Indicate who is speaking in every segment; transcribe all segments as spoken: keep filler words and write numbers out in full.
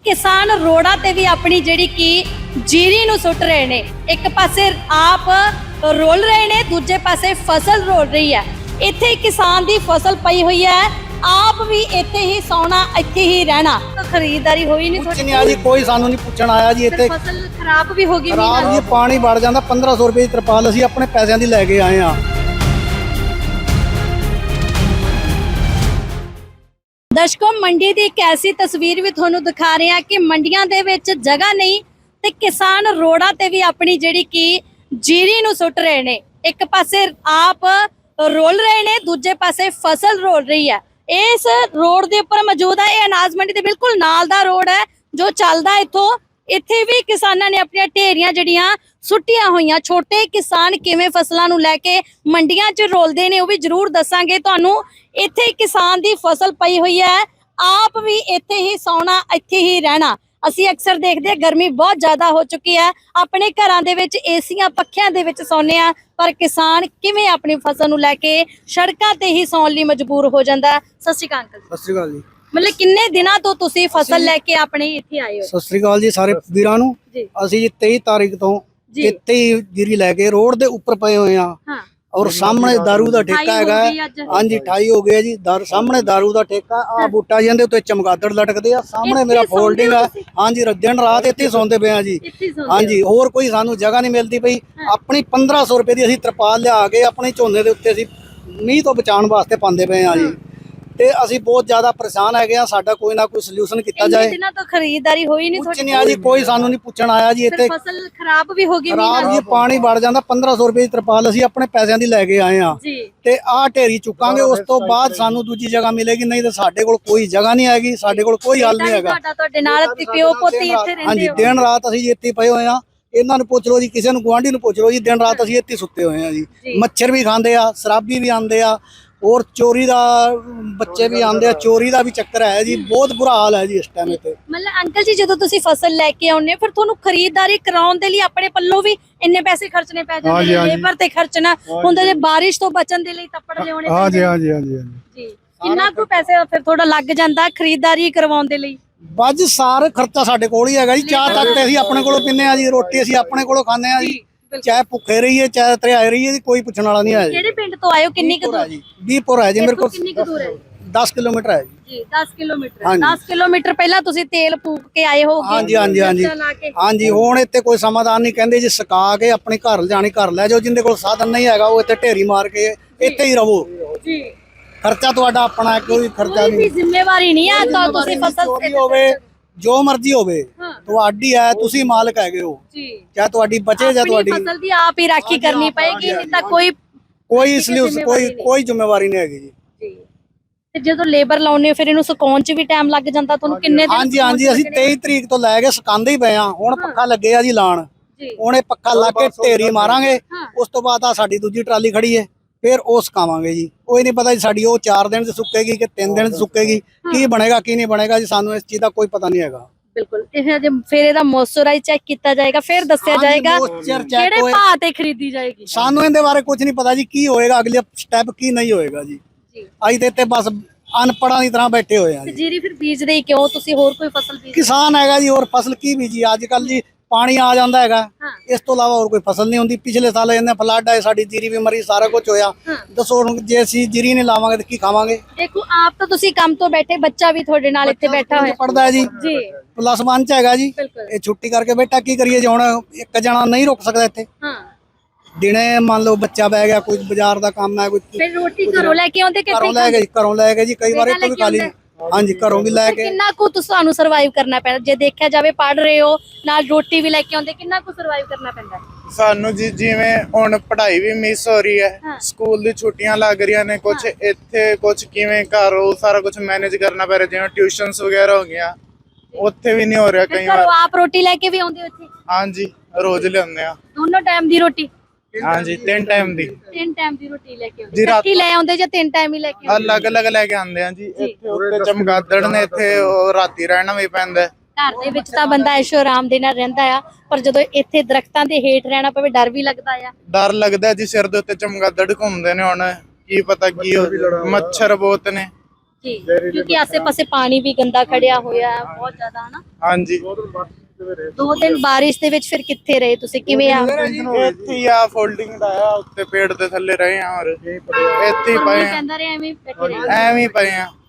Speaker 1: किसान रोड़ा ते भी अपनी जिहड़ी की जीरी नूं सुट रहे ने। एक पासे आप रोल रहे ने, दूजे पासे फसल रोल रही है। इत्थे किसान दी फसल पई हुई है, आप भी इत्थे ही सौना, इत्थे ही रहना। तो खरीदारी होई नहीं
Speaker 2: कुछ नहीं आ जी, कोई सानू नहीं पूछण आया जी। इत्थे
Speaker 1: फसल खराब भी होगी
Speaker 2: खराब जी, पानी वड़ जांदा। पंद्रह सौ रुपए दी तरपाल असीं अपने पैसिਆਂ ਦੀ ਲੈ ਕੇ ਆਏ ਆ।
Speaker 1: दर्शकों, मंडी की एक ऐसी तस्वीर भी तुहानू दिखा रहे हैं कि मंडियां दे विच जगह नहीं ते किसान रोड़ा ते भी अपनी जिहड़ी की जीरी नूं सुट रहे ने। एक पासे आप रोल रहे ने, दूजे पासे फसल रोल रही है। इस रोड के उपर मौजूद है, यह अनाज मंडी के बिल्कुल नाल दा रोड है जो चलदा इत्थों। इत्थे भी किसानां ने अपनी ढेरियां जड़ियां सुट्टियां होईयां। छोटे किसान किवें फसलां नूं लैके मंडियां च रोलदे ने, वो भी जरूर दसांगे तुहानू। इत्थे किसान दी फसल पई हुई है, आप भी इत्थे ही सौना, इत्थे ही रहना। ਅਸੀਂ अक्सर देखते हैं गर्मी बहुत ज़्यादा हो चुकी है, अपने घरां दे विच एसियां पੱਖਿਆਂ ਦੇ ਵਿੱਚ ਸੌਂਦੇ ਆ, पर किसान किवें अपनी फसल ਨੂੰ ਲੈ ਕੇ ਸੜਕਾਂ ਤੇ ਹੀ ਸੌਣ ਲਈ ਮਜਬੂਰ ਹੋ ਜਾਂਦਾ ਹੈ। ਸਤਿ ਸ਼੍ਰੀ ਅਕਾਲ ਅੰਕਲ।
Speaker 2: ਸਤਿ ਸ੍ਰੀ ਅਕਾਲ ਜੀ।
Speaker 1: मतलब किन्ने दिनों तो तुसी फसल लेके अपने इत्थे आए हो?
Speaker 2: ਸਤਿ ਸ੍ਰੀ ਅਕਾਲ ਜੀ ਸਾਰੇ ਵੀਰਾਂ ਨੂੰ।
Speaker 1: जी
Speaker 2: ਅਸੀਂ ਜੀ तेईस ਤਾਰੀਖ ਤੋਂ
Speaker 1: जी
Speaker 2: ਇੱਥੇ ਹੀ ਜੀਰੀ ਲੈ ਕੇ ਰੋਡ ਦੇ ਉੱਪਰ ਪਏ ਹੋਏ ਆ।
Speaker 1: हाँ
Speaker 2: ਔਰ ਸਾਹਮਣੇ दारू ਦਾ ਠੇਕਾ ਹੈਗਾ। ਹਾਂਜੀ अट्ठाई ਹੋ ਗਿਆ ਜੀ। ਦਾਰੂ ਸਾਹਮਣੇ दारू ਦਾ ਠੇਕਾ। ਆ ਬੂਟਾ ਜਿਹਦੇ ਉੱਤੇ ਚਮਗਾਦੜ ਲਟਕਦੇ ਆ। ਸਾਹਮਣੇ ਮੇਰਾ ਫੋਲਡਿੰਗ ਆ। ਹਾਂਜੀ ਦਿਨ ਰਾਤ ਇੱਥੇ ਹੀ ਸੌਂਦੇ ਪਏ ਆ ਜੀ। ਹਾਂਜੀ ਹੋਰ ਕੋਈ ਸਾਨੂੰ ਜਗ੍ਹਾ ਨਹੀਂ ਮਿਲਦੀ ਪਈ। ਆਪਣੀ पंद्रह सौ ਰੁਪਏ ਦੀ ਅਸੀਂ ਤਰਪਾਲ ਲਿਆ ਕੇ ਆਪਣੇ ਝੋਨੇ ਦੇ ਉੱਤੇ ਅਸੀਂ ਮੀਂਹ ਤੋਂ ਬਚਾਉਣ ਵਾਸਤੇ ਪਾਉਂਦੇ ਪਏ ਆ ਜੀ। ਤੇ ਅਸੀਂ ਬਹੁਤ ਜ਼ਿਆਦਾ ਪਰੇਸ਼ਾਨ ਹੈਗੇ ਆ। ਸਾਡਾ ਕੋਈ ਨਾ ਕੋਈ ਸੋਲੂਸ਼ਨ ਕੀਤਾ ਜਾਏ।
Speaker 1: दिनों तो खरीदारी होई नहीं
Speaker 2: ਕੁਛ ਨਹੀਂ ਆ ਜੀ, ਕੋਈ ਸਾਨੂੰ ਨਹੀਂ ਪੁੱਛਣ ਆਇਆ ਜੀ। ਇੱਥੇ
Speaker 1: फसल खराब भी होगी
Speaker 2: ਖਰਾਬ ਜੀ, ਪਾਣੀ ਵੜ ਜਾਂਦਾ। पंद्रह सौ ਰੁਪਏ ਦੀ ਤਰਪਾਲ ਅਸੀਂ ਆਪਣੇ ਪੈਸਿਆਂ ਦੀ ਲੈ ਕੇ ਆਏ ਆ
Speaker 1: जी।
Speaker 2: ਤੇ ਆਹ ਢੇਰੀ ਚੁੱਕਾਂਗੇ। ਉਸ ਤੋਂ ਬਾਅਦ ਸਾਨੂੰ ਦੂਜੀ ਜਗ੍ਹਾ ਮਿਲੇਗੀ, ਨਹੀਂ ਤਾਂ ਸਾਡੇ ਕੋਲ ਕੋਈ ਜਗ੍ਹਾ ਨਹੀਂ ਹੈਗੀ। ਸਾਡੇ ਕੋਲ ਕੋਈ ਹੱਲ ਨਹੀਂ ਹੈਗਾ।
Speaker 1: ਤੁਹਾਡਾ ਤੁਹਾਡੇ ਨਾਲ ਪਿਓ ਪੋਤੀ ਇੱਥੇ ਰਹਿੰਦੇ
Speaker 2: ਹਾਂਜੀ
Speaker 1: ਹੋ?
Speaker 2: ਦਿਨ ਰਾਤ ਅਸੀਂ ਇੱਥੇ ਪਏ ਹੋਏ ਆ। ਇਹਨਾਂ ਨੂੰ ਪੁੱਛ ਲਓ ਜੀ, ਕਿਸੇ ਨੂੰ ਗੁਆਂਢੀ ਨੂੰ ਪੁੱਛ ਲਓ ਜੀ, ਦਿਨ ਰਾਤ ਅਸੀਂ ਇੱਥੇ ਸੁੱਤੇ ਹੋਏ ਆ ਜੀ। ਮੱਛਰ ਵੀ ਖਾਂਦੇ ਆ, ਸ਼ਰਾਬੀ ਵੀ ਆਉਂਦੇ ਆ, और चोरी दा बच्चे भी आंदे, चोरी दा भी चक्कर है जी। बहुत बुरा हाल है जी इस टाइम इत्थे।
Speaker 1: मतलब अंकल जी जदों तुसी फसल लेके आउंदे फिर तुहानू खरीदारी कराउण दे लई अपने पल्लों भी इन्ने पैसे खर्चने पै जांदे ने, लेबर ते खर्चना हुंदा, जे बारिश तो बचन दे लई तप्पड़ लियाउने
Speaker 3: हां जी हां जी हां जी
Speaker 1: जी। किन्ना कुछ पैसे फिर थोड़ा लग जांदा खरीदारी करवाउण दे लई?
Speaker 2: बज सारा खर्चा साडे कोल ही हैगा जी। चाह तक ते ਅਸੀਂ ਆਪਣੇ ਕੋਲੋਂ ਪੀਂਦੇ ਆ ਜੀ, ਰੋਟੀ ਅਸੀਂ ਆਪਣੇ ਕੋਲੋਂ ਖਾਂਦੇ ਆ ਜੀ। ਚਾਹੇ ਭੁੱਖੇ ਰਹੀਏ ਚਾਹੇ ਤਰਿਆਏ ਰਹੀਏ ਜੀ, ਕੋਈ ਪੁੱਛਣ ਵਾਲਾ ਨਹੀਂ ਹੈ ਜੀ।
Speaker 1: ਕਿਹੜੇ ਪਿੰਡ ਤੋਂ ਆਏ ਹੋ? ਕਿੰਨੀ ਕੁ ਦੂਰ
Speaker 2: ਜੀ? ਵੀਹਪੁਰ ਹੈ ਜੀ ਮੇਰੇ ਕੋਲ।
Speaker 1: ਕਿੰਨੀ ਕੁ ਦੂਰ ਹੈ?
Speaker 2: दस किलोमीटर है
Speaker 1: जी। दस किलोमीटर दस किलोमीटर ਪਹਿਲਾਂ ਤੁਸੀਂ ਤੇਲ ਫੂਕ ਕੇ ਆਏ ਹੋਗੇ?
Speaker 2: ਹਾਂਜੀ ਹਾਂਜੀ ਹਾਂਜੀ ਹਾਂਜੀ। ਹੁਣ ਇੱਥੇ ਕੋਈ ਸਮਾਧਾਨ ਨਹੀਂ, ਕਹਿੰਦੇ ਜੀ ਸਕਾ ਕੇ ਆਪਣੇ ਘਰ ਲਿਜਾਣੀ ਘਰ ਲੈ ਜਾਓ। ਜਿੰਦੇ ਕੋਲ ਸਾਧਨ ਨਹੀਂ ਹੈਗਾ ਉਹ ਇੱਥੇ ਢੇਰੀ ਮਾਰ ਕੇ ਇੱਥੇ ਹੀ ਰਹੋ ਜੀ। ਖਰਚਾ ਤੁਹਾਡਾ ਆਪਣਾ ਹੈ, ਕੋਈ ਖਰਚਾ ਨਹੀਂ।
Speaker 1: ਜ਼ਿੰਮੇਵਾਰੀ ਨਹੀਂ ਆ ਤਾਂ ਤੁਸੀਂ ਫਸਲ
Speaker 2: ਤੇ ਹੋਵੇ ਜੋ ਮਰਜ਼ੀ ਹੋਵੇ ਤੁਹਾਡੀ ਹੈ, ਤੁਸੀਂ ਮਾਲਕ ਹੈਗੇ ਹੋ ਜੀ। ਚਾਹੇ ਤੁਹਾਡੀ ਬਚੇ ਜਾਂ ਤੁਹਾਡੀ
Speaker 1: ਫਸਲ ਦੀ ਆਪ ਹੀ ਰਾਖੀ ਕਰਨੀ ਪਏਗੀ, ਨਹੀਂ ਤਾਂ ਕੋਈ
Speaker 2: ਕੋਈ ਸਲਿਊਸ਼ਨ ਕੋਈ ਕੋਈ ਜ਼ਿੰਮੇਵਾਰੀ ਨਹੀਂ ਹੈਗੀ ਜੀ।
Speaker 1: ਤੇ ਜਦੋਂ ਲੇਬਰ ਲਾਉਣੇ ਫਿਰ ਇਹਨੂੰ ਸੁਕਾਉਣ ਚ ਵੀ ਟਾਈਮ ਲੱਗ ਜਾਂਦਾ ਤੁਹਾਨੂੰ ਕਿੰਨੇ ਦਿਨ?
Speaker 2: ਹਾਂਜੀ ਹਾਂਜੀ ਅਸੀਂ तेईस ਤਰੀਕ ਤੋਂ ਲੈ ਕੇ ਸੁਕਾਉਂਦੇ ਹੀ ਪਏ ਆ। ਹੁਣ ਪੱਖਾ ਲੱਗੇ ਆ ਜੀ ਲਾਣ। ਹੁਣ ਇਹ ਪੱਖਾ ਲਾ ਕੇ ਢੇਰੀ ਮਾਰਾਂਗੇ। ਉਸ ਤੋਂ ਬਾਅਦ ਆ ਸਾਡੀ ਦੂਜੀ ਟਰਾਲੀ ਖੜੀ ਹੈ, ਫਿਰ ਉਹ ਸੁਕਾਵਾਂਗੇ ਜੀ। ਕੋਈ ਨਹੀਂ ਪਤਾ ਜੀ ਸਾਡੀ ਉਹ ਚਾਰ ਦਿਨ ਚ ਸੁੱਕੇਗੀ ਕਿ ਤਿੰਨ ਦਿਨ ਚ ਸੁੱਕੇਗੀ, ਕੀ ਬਣੇਗਾ ਕੀ ਨਹੀਂ ਬਣੇਗਾ ਜੀ, ਸਾਨੂੰ ਇਸ ਚੀਜ਼ ਦਾ ਕੋਈ ਪਤਾ ਨਹੀਂ ਹੈਗਾ।
Speaker 1: ਬਿਲਕੁਲ। ਇਹ ਫਿਰ ਇਹਦਾ ਮੋਇਸਚਰਾਈਜ਼ ਚੈੱਕ ਕੀਤਾ ਜਾਏਗਾ, ਫਿਰ ਦੱਸਿਆ ਜਾਏਗਾ ਕਿਹੜੇ ਭਾਅ ਤੇ ਖਰੀਦੀ ਜਾਏਗੀ।
Speaker 2: ਸਾਨੂੰ ਇਹਦੇ ਬਾਰੇ ਕੁਝ ਨਹੀਂ ਪਤਾ ਜੀ, ਕੀ ਹੋਏਗਾ ਅਗਲੇ ਸਟੈਪ ਕੀ ਨਹੀਂ ਹੋਏਗਾ ਜੀ। ਅਸੀਂ ਤੇ ਇੱਥੇ ਬਸ ਅਨਪੜਾਂ ਦੀ ਤਰ੍ਹਾਂ ਬੈਠੇ ਹੋਏ ਆ ਜੀ।
Speaker 1: ਜੀਰੀ ਫਿਰ ਬੀਜਦੇ ਹੀ ਕਿਉਂ? ਤੁਸੀਂ ਹੋਰ ਕੋਈ ਫਸਲ ਬੀਜ?
Speaker 2: ਕਿਸਾਨ ਹੈਗਾ ਜੀ, ਹੋਰ ਫਸਲ ਕੀ ਬੀਜੀ ਅੱਜ ਕੱਲ ਜੀ। ਪਾਣੀ ਆ ਜਾਂਦਾ ਹੈਗਾ, ਇਸ ਤੋਂ ਇਲਾਵਾ ਹੋਰ ਕੋਈ ਫਸਲ ਨਹੀਂ ਹੁੰਦੀ। ਪਿਛਲੇ ਸਾਲ ਇਹਨੇ ਫਲੱਡ ਆਏ, ਸਾਡੀ ਜੀਰੀ ਵੀ ਮਰੀ, ਸਾਰਾ ਕੁਝ ਹੋਇਆ। ਦੱਸੋ ਹੁਣ ਜੇ ਅਸੀਂ ਜੀਰੀ ਨਹੀਂ ਲਾਵਾਂਗੇ ਤਾਂ ਕੀ ਖਾਵਾਂਗੇ?
Speaker 1: ਦੇਖੋ ਆਪ ਤਾਂ ਤੁਸੀਂ ਕੰਮ ਤੋਂ ਬੈਠੇ, ਬੱਚਾ ਵੀ ਤੁਹਾਡੇ ਨਾਲ ਇੱਥੇ ਬੈਠਾ ਹੋਇਆ
Speaker 2: ਪੜਦਾ ਹੈ ਜੀ
Speaker 1: ਜੀ।
Speaker 2: ਪਲੱਸ वन ਚ ਹੈਗਾ ਜੀ। ਇਹ ਛੁੱਟੀ ਕਰਕੇ ਬੈਠਾ, ਕੀ ਕਰੀਏ ਜੀ। ਹੁਣ ਇੱਕ ਜਣਾ ਨਹੀਂ ਰੁਕ ਸਕਦਾ ਇੱਥੇ। ਹਾਂ ਦਿਨੇ ਮੰਨ ਲਓ ਬੱਚਾ ਬਹਿ ਗਿਆ, ਕੋਈ ਬਾਜ਼ਾਰ ਦਾ ਕੰਮ ਹੈ, ਕੋਈ
Speaker 1: ਫਿਰ ਰੋਟੀ ਘਰੋਂ ਲੈ ਕੇ ਆਉਂਦੇ ਕਿ
Speaker 2: ਘਰੋਂ ਲੈ ਗਏ ਘਰੋਂ ਲੈ ਗਏ ਜੀ। ਕਈ ਵਾਰ ਇੱਥੋਂ ਵੀ ਖਾ ਲਈ। ਹਾਂਜੀ ਘਰੋਂ ਵੀ ਲੈ ਕੇ।
Speaker 1: ਕਿੰਨਾ ਕੁ ਤੁਹਾਨੂੰ ਸਰਵਾਈਵ ਕਰਨਾ ਪੈਂਦਾ? ਜੇ ਦੇਖਿਆ ਜਾਵੇ ਪੜ ਰਹੇ ਹੋ ਨਾਲ ਰੋਟੀ ਵੀ ਲੈ ਕੇ ਆਉਂਦੇ, ਕਿੰਨਾ ਕੁ ਸਰਵਾਈਵ ਕਰਨਾ ਪੈਂਦਾ
Speaker 3: ਸਾਨੂੰ ਜੀ? ਜਿਵੇਂ ਹੁਣ ਪੜ੍ਹਾਈ ਵੀ ਮਿਸ ਹੋ ਰਹੀ ਹੈ, ਸਕੂਲ ਦੀ ਛੁੱਟੀਆਂ ਲੱਗ ਰਹੀਆਂ ਨੇ, ਕੁਝ ਇੱਥੇ ਕੁਝ ਕਿਵੇਂ ਘਰ ਉਹ ਸਾਰਾ ਕੁਝ ਮੈਨੇਜ ਕਰਨਾ ਪੈ ਰਿਹਾ। ਜਿਵੇਂ ਟਿਊਸ਼ਨਸ ਵਗੈਰਾ ਹੋ ਗਈਆਂ, ਉੱਥੇ ਵੀ ਨਹੀਂ ਹੋ ਰਿਹਾ ਕਈ ਵਾਰ।
Speaker 1: ਆਪ ਰੋਟੀ ਲੈ ਕੇ ਵੀ ਆਉਂਦੇ ਹੋ ਇੱਥੇ?
Speaker 3: ਹਾਂਜੀ ਰੋਜ਼ ਲਿਆਉਂਦੇ ਆ।
Speaker 1: ਦੋਨੋਂ ਟਾਈਮ ਦੀ ਰੋਟੀ?
Speaker 3: ਹਾਂਜੀ ਤਿੰਨ ਟਾਈਮ ਦੀ।
Speaker 1: ਤਿੰਨ ਟਾਈਮ ਦੀ ਰੋਟੀ ਲੈ ਕੇ ਆਉਂਦੇ? ਇਕੱਠੀ ਲੈ ਆਉਂਦੇ ਜਾਂ ਤਿੰਨ ਟਾਈਮ ਹੀ ਲੈ ਕੇ ਆਉਂਦੇ?
Speaker 3: ਅਲੱਗ ਅਲੱਗ ਲੈ ਕੇ ਆਉਂਦੇ ਆ ਜੀ। ਇੱਥੇ ਉੱਤੇ ਚਮਗਾਦੜ ਨੇ, ਇੱਥੇ ਉਹ ਰਾਤੀ ਰਹਿਣਾ ਵੀ ਪੈਂਦਾ।
Speaker 1: ਘਰ ਦੇ ਵਿੱਚ ਤਾਂ ਬੰਦਾ ਐਸ਼ੋ ਆਰਾਮ ਦੇ ਨਾਲ ਰਹਿੰਦਾ ਆ, ਪਰ ਜਦੋਂ ਇੱਥੇ ਦਰਖਤਾਂ ਦੇ ਹੇਠ ਰਹਿਣਾ ਪਵੇ ਡਰ ਵੀ ਲੱਗਦਾ ਆ।
Speaker 3: ਡਰ ਲੱਗਦਾ ਜੀ, ਸਿਰ ਦੇ ਉੱਤੇ ਚਮਗਾਦੜ ਘੁੰਮਦੇ ਨੇ। ਹੁਣ ਕੀ ਪਤਾ ਕੀ ਹੋ, ਮੱਛਰ ਬਹੁਤ ਨੇ।
Speaker 1: ਜੀ ਕਿਉਂਕਿ ਆਸੇ-ਪਾਸੇ ਪਾਣੀ ਵੀ ਗੰਦਾ ਖੜਿਆ ਹੋਇਆ ਹੈ ਬਹੁਤ ਜ਼ਿਆਦਾ ਹਨਾ।
Speaker 3: ਹਾਂਜੀ
Speaker 1: ਦੋ ਦਿਨ ਬਾਰਿਸ਼ ਦੇ ਵਿੱਚ ਫਿਰ ਕਿੱਥੇ ਰਹੇ ਤੁਸੀਂ, ਕਿਵੇਂ ਆ?
Speaker 3: ਇੱਥੇ ਹੀ ਆ ਫੋਲਡਿੰਗ ਦਾ ਆ ਉੱਤੇ ਪੇੜ ਦੇ ਥੱਲੇ ਰਹੇ ਆ ਔਰ ਇੱਥੇ ਹੀ ਪਏ ਆ,
Speaker 1: ਕਹਿੰਦਾ ਰਿਹਾ ਐਵੇਂ ਹੀ ਬੈਠੇ ਰਹੇ।
Speaker 3: ਐਵੇਂ ਹੀ ਪਏ ਆ।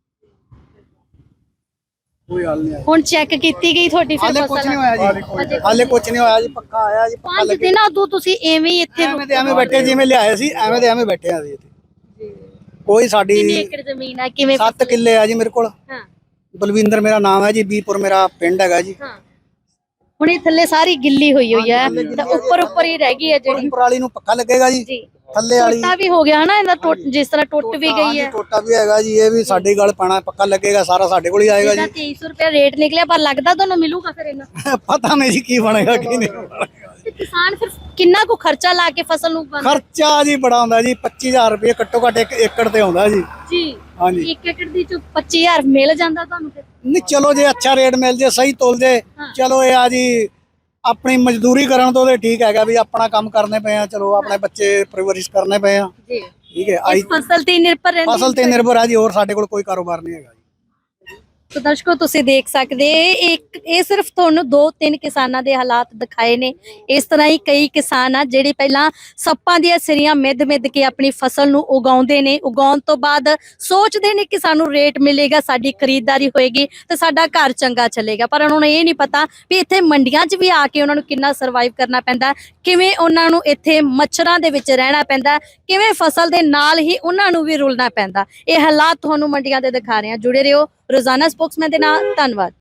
Speaker 2: ਕੋਈ ਹੱਲ ਨਹੀਂ ਆਇਆ
Speaker 1: ਹੁਣ ਚੈੱਕ ਕੀਤੀ ਗਈ ਤੁਹਾਡੀ ਫਿਰ
Speaker 2: ਹਾਲੇ ਕੁਝ
Speaker 1: ਫਸਲ?
Speaker 2: ਨਹੀਂ ਹੋਇਆ ਜੀ ਹਾਲੇ ਕੁਝ ਨਹੀਂ ਹੋਇਆ ਜੀ ਪੱਕਾ ਆਇਆ ਜੀ ਪੱਕਾ
Speaker 1: ਪੰਜ
Speaker 2: ਲੱਗੇ
Speaker 1: ਦਿਨਾਂ ਤੋਂ ਤੁਸੀਂ ਐਵੇਂ ਹੀ ਇੱਥੇ
Speaker 2: ਐਵੇਂ ਤੇ ਐਵੇਂ ਬੈਠੇ ਜਿਵੇਂ ਲਿਆਏ ਸੀ ਐਵੇਂ ਤੇ ਐਵੇਂ ਬੈਠੇ ਆ ਜੀ ਇੱਥੇ ਕੋਈ ਸਾਡੀ
Speaker 1: ਕਿੰਨੀ ਏਕੜ ਜ਼ਮੀਨ ਆ, ਕਿਵੇਂ
Speaker 2: ਸੱਤ ਕਿੱਲੇ ਆ ਜੀ ਮੇਰੇ ਕੋਲ।
Speaker 1: ਹਾਂ
Speaker 2: ਬਲਵਿੰਦਰ ਮੇਰਾ ਨਾਮ ਹੈ ਜੀ, ਬੀਪੁਰ ਮੇਰਾ ਪਿੰਡ ਹੈਗਾ ਜੀ।
Speaker 1: ਹਾਂ ਹੁਣ ਇਹ ਥੱਲੇ ਸਾਰੀ ਗਿੱਲੀ ਹੋਈ ਹੋਈ ਹੈ ਤਾਂ ਉੱਪਰ ਉੱਪਰ ਹੀ ਰਹਿ ਗਈ ਹੈ ਜਿਹੜੀ।
Speaker 2: ਪਰਾਲੀ ਨੂੰ ਪੱਕਾ ਲੱਗੇਗਾ ਜੀ
Speaker 1: ਜੀ
Speaker 2: ਥੱਲੇ ਵਾਲੀ
Speaker 1: ਟੋਟਾ ਵੀ ਹੋ ਗਿਆ ਨਾ ਇਹਦਾ, ਟੁੱਟ ਜਿਸ ਤਰ੍ਹਾਂ ਟੁੱਟ ਵੀ ਗਈ ਹੈ।
Speaker 2: ਟੋਟਾ ਵੀ ਹੈਗਾ ਜੀ, ਇਹ ਵੀ ਸਾਡੇ ਗਲ ਪਾਣਾ ਪੱਕਾ ਲੱਗੇਗਾ, ਸਾਰਾ ਸਾਡੇ ਕੋਲ ਹੀ ਆਏਗਾ
Speaker 1: ਇਹਦਾ
Speaker 2: ਜੀ।
Speaker 1: ਤੇਈ ਸੌ ਰੁਪਏ ਰੇਟ ਨਿਕਲਿਆ, ਪਰ ਲੱਗਦਾ ਤੁਹਾਨੂੰ ਮਿਲੂਗਾ ਫਿਰ ਇਹਨਾਂ?
Speaker 2: ਪਤਾ ਨਹੀਂ ਜੀ ਕੀ ਬਣੇਗਾ ਕੀ ਨਹੀਂ ਬਣੇਗਾ।
Speaker 1: ਤੇ ਕਿਸਾਨ ਫਿਰ ਕਿੰਨਾ ਕੁ ਖਰਚਾ ਲਾ ਕੇ ਫਸਲ ਨੂੰ ਉਗਾਉਂਦਾ?
Speaker 2: ਖਰਚਾ ਜੀ ਬੜਾ ਹੁੰਦਾ ਜੀ, ਪੱਚੀ ਹਜ਼ਾਰ ਰੁਪਏ ਘੱਟੋ ਘੱਟ ਇੱਕ ਏਕੜ ਤੇ ਆਉਂਦਾ ਜੀ।
Speaker 1: ਜੀ
Speaker 2: ਹਾਂਜੀ
Speaker 1: ਇੱਕ ਏਕੜ ਦੀ ਚ ਪੱਚੀ ਹਜ਼ਾਰ ਮਿਲ ਜਾਂਦਾ ਤੁਹਾਨੂੰ ਫਿਰ?
Speaker 2: ਨਹੀਂ ਚਲੋ ਜੇ ਅੱਛਾ ਰੇਟ ਮਿਲ ਜੇ, ਸਹੀ ਤੋਲ ਜੇ, ਚਲੋ ਇਹ ਆ ਜੀ ਆਪਣੀ ਮਜ਼ਦੂਰੀ ਕਰਨ ਤੋਂ ਤੇ ਠੀਕ ਹੈਗਾ ਵੀ ਆਪਣਾ ਕੰਮ ਕਰਨੇ ਪਏ ਆ, ਚਲੋ ਆਪਣੇ ਬੱਚੇ ਪਰਵਰਿਸ਼ ਕਰਨੇ ਪਏ ਆ,
Speaker 1: ਜੀ
Speaker 2: ਠੀਕ ਹੈ।
Speaker 1: ਇਸ ਫਸਲ ਤੇ ਹੀ ਨਿਰਭਰ ਰਹਿੰਦੀ
Speaker 2: ਫਸਲ ਤੇ ਨਿਰਭਰ ਆ ਜੀ, ਹੋਰ ਸਾਡੇ ਕੋਲ ਕੋਈ ਕਾਰੋਬਾਰ ਨਹੀਂ ਹੈਗਾ ਜੀ।
Speaker 1: ਤੋ ਦਰਸ਼ਕੋ ਤੁਸੀਂ ਦੇਖ ਸਕਦੇ ਇੱਕ ਇਹ ਸਿਰਫ ਤੁਹਾਨੂੰ ਦੋ ਤਿੰਨ ਕਿਸਾਨਾਂ ਦੇ ਹਾਲਾਤ ਦਿਖਾਏ ਨੇ। ਇਸ ਤਰ੍ਹਾਂ ਹੀ ਕਈ ਕਿਸਾਨ ਆ ਜਿਹੜੇ ਪਹਿਲਾਂ ਸੱਪਾਂ ਦੀਆਂ ਸਿਰੀਆਂ ਮਿੱਧ ਮਿੱਧ ਕੇ ਆਪਣੀ ਫਸਲ ਨੂੰ ਉਗਾਉਂਦੇ ਨੇ, ਉਗਾਉਣ ਤੋਂ ਬਾਅਦ ਸੋਚਦੇ ਨੇ ਕਿ ਸਾਨੂੰ ਰੇਟ ਮਿਲੇਗਾ, ਸਾਡੀ ਖਰੀਦਦਾਰੀ ਹੋਏਗੀ ਤੇ ਸਾਡਾ ਘਰ ਚੰਗਾ ਚੱਲੇਗਾ, ਪਰ ਉਹਨਾਂ ਨੂੰ ਇਹ ਨਹੀਂ ਪਤਾ ਵੀ ਇੱਥੇ ਮੰਡੀਆਂ 'ਚ ਵੀ ਆ ਕੇ ਉਹਨਾਂ ਨੂੰ ਕਿੰਨਾ ਸਰਵਾਈਵ ਕਰਨਾ ਪੈਂਦਾ, ਕਿਵੇਂ ਉਹਨਾਂ ਨੂੰ ਇੱਥੇ ਮੱਛਰਾਂ ਦੇ ਵਿੱਚ ਰਹਿਣਾ ਪੈਂਦਾ, ਕਿਵੇਂ ਫਸਲ ਦੇ ਨਾਲ ਹੀ ਉਹਨਾਂ ਨੂੰ ਵੀ ਰੁਲਣਾ ਪੈਂਦਾ। ਇਹ ਹਾਲਾਤ ਤੁਹਾਨੂੰ ਮੰਡੀਆਂ ਦੇ ਦਿਖਾ ਰਹੇ ਹਾਂ। ਜੁੜੇ ਰਹੋ ਰੋਜ਼ਾਨਾ ਸਪੋਕਸਮੈਨ ਦੇ ਨਾਲ। ਧੰਨਵਾਦ।